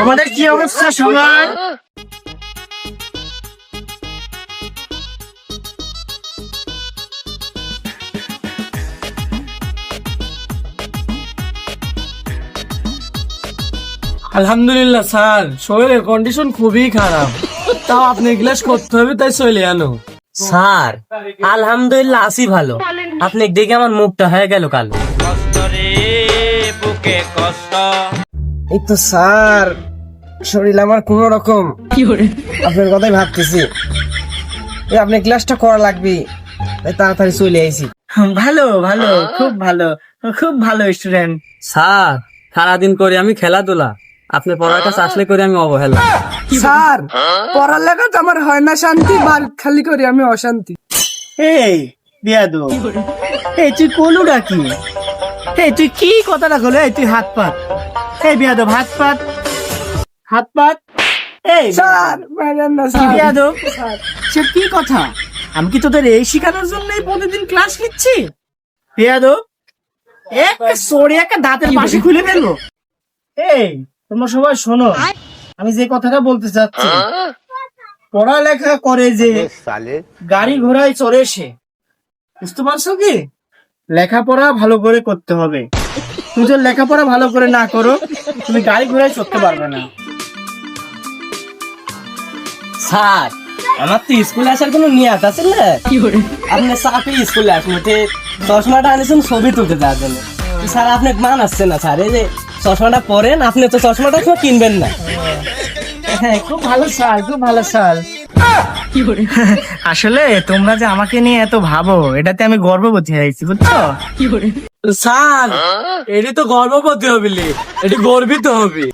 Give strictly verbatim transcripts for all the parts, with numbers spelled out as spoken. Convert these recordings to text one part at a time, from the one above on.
তোমাদের কি অবস্থা সবার? আলহামদুলিল্লাহ স্যার, শরীরের কন্ডিশন খুবই খারাপ, তাও আপনি ক্লাস করতে হবে তাই চলে আনো। স্যার আলহামদুলিল্লাহ আছি ভালো, আপনি দেখে আমার মুখটা হয়ে গেল কালো। এই তো স্যার, শরীর আমার কোন রকম, আপনার কথাই ভাবতেছি। এই আপনি ক্লাসটা করা লাগবে, তাই তাড়াতাড়ি চলে আইছি। ভালো ভালো, খুব ভালো, খুব ভালো স্টুডেন্ট। স্যার সারাদিন করে আমি খেলাধুলা, আপনি পড়ার কাছে আসলে করে আমি অবহেলা। স্যার পড়ালেখা তো আমার হয় না শান্তি, বার খালি করি আমি অশান্তি। এই বিয়াদু, এই তুই কলুটা কি? এই তুই কি কথাটা কলো? এই তুই হাত পাত, এই বিয়াদব হাত পাত, হাত পাত। এই স্যার বিয়াদব, সে কি কথা? আমি কি তোদের এই শিখানোর জন্যই প্রতিদিন ক্লাস নিচ্ছি? বিয়াদব, একটা সরে একটা দাঁতের পাশে খুলে ফেলবো। এই তোমরা সবাই শোনো, আমি যে কথাটা বলতে চাচ্ছি, পড়ালেখা করে যে গাড়ি ঘোড়ায় চড়ে সে, বুঝতে পারছো কি? লেখাপড়া ভালো করে করতে হবে। তুমি যদি লেখাপড়া ভালো করে না করো, তুমি গাড়ি ঘোড়ায় চড়তে পারবে না। স্যার আমার তো স্কুলে আসার কোনো নিয়াত আছে না, আপনি চাকরি স্কুলে আসলে চশমাটা আনিয়েছেন ছবি তুলতে যাওয়ার জন্য। স্যার আপনি মান আসছে না স্যার, এই যে চশমাটা পরেন, আপনি তো চশমাটা কেউ কিনবেন না। হ্যাঁ খুব ভালো সাল, খুব ভালো সাল। আসলে তোমরা যে আমাকে নিয়ে এত ভাবো, এটাতে আমি গর্ববোধ হয়েছি, বুঝছো? স্যার এটি তো গর্ববতী হবি, এটি গর্বিত হবি।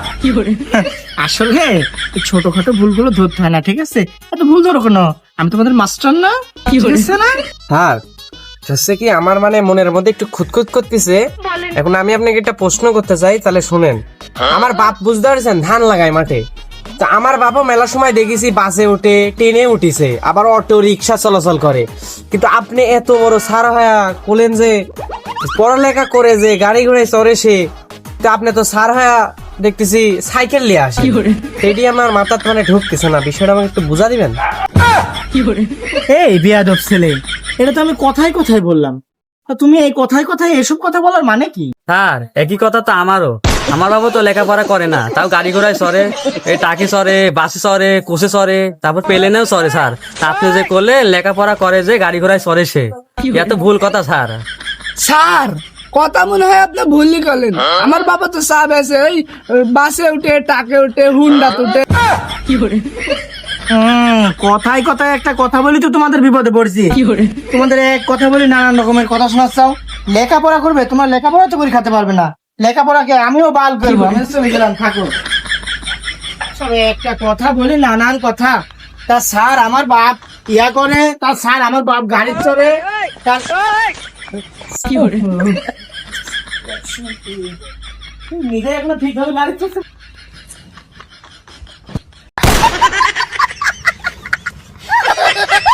আসলে এই ছোটখাটো ভুলগুলো ধরতে হয় না, ঠিক আছে? এত ভুল ধরো কেন? আমি তোমাদের মাস্টার না, কি হয়েছে না? স্যার হচ্ছে কি, আমার মানে মনের মধ্যে একটু খুঁতখুত করতেছে। এখন আমি আপনাকে একটা প্রশ্ন করতে চাই, তাহলে শুনেন। আমার বাপ বুঝতে পারছেন ধান লাগায় মাঠে, তা আমার বাপও মেলা সময় দেখেছি বাসে উঠে, ট্রেনে উঠিছে, আবার অটো রিক্সা চলাচল করে। কিন্তু আপনি এত বড় স্যার হয়া বলেন যে পড়ালেখা করে যে গাড়ি ঘোড়ায় চড়ে সে, তা আপনি তো স্যার হয়া দেখতেছি সাইকেল নিয়ে আসে। এটি আমার মাথার মানে ঢুকতেছে না, বিষয়টা আমাকে একটু বুঝা দিবেন? এই বিয়াদব ছেলে, এটা তো আমি কথায় কথায় বললাম, তা তুমি এই কথায় কথায় এসব কথা বলার মানে কি? স্যার একই কথা তো আমারও, আমার বাবা তো লেখাপড়া করে না, তাও গাড়ি ঘোড়ায় চড়ে, এই টাকি চড়ে, বাসে চড়ে, কোচে চড়ে, তারপর প্লেনেও চড়ে। স্যার আপনি যে করলে লেখাপড়া করে যে গাড়ি ঘোড়ায় চড়ে সে, এত ভুল কথা স্যার। স্যার কথা মনে হয় আপনি ভুলই করলেন। আমার বাবা তো সাহেব আছে, ওই বাসে উঠে, টাকে উঠে, হুন্ডা উঠে। হম কথায় কথায় একটা কথা বলি তো তোমাদের বিপদে পড়ছি। তোমাদের এক কথা বলি নানান রকমের কথা শোনাচ্ছাও। লেখাপড়া করবে, তোমার লেখাপড়া তো করে খাতে পারবে না। লেখাপড়াকে আমিও বাল করবো, আমি চলে গেলাম, থাকো। সব একটা কথা বলি নানান কথা। তা স্যার আমার বাপ ইয়া করে, তা স্যার আমার বাপ গাড়ি চড়ে, তার নিজে এগুলো ঠিক ভাবে গাড়ি চলছে।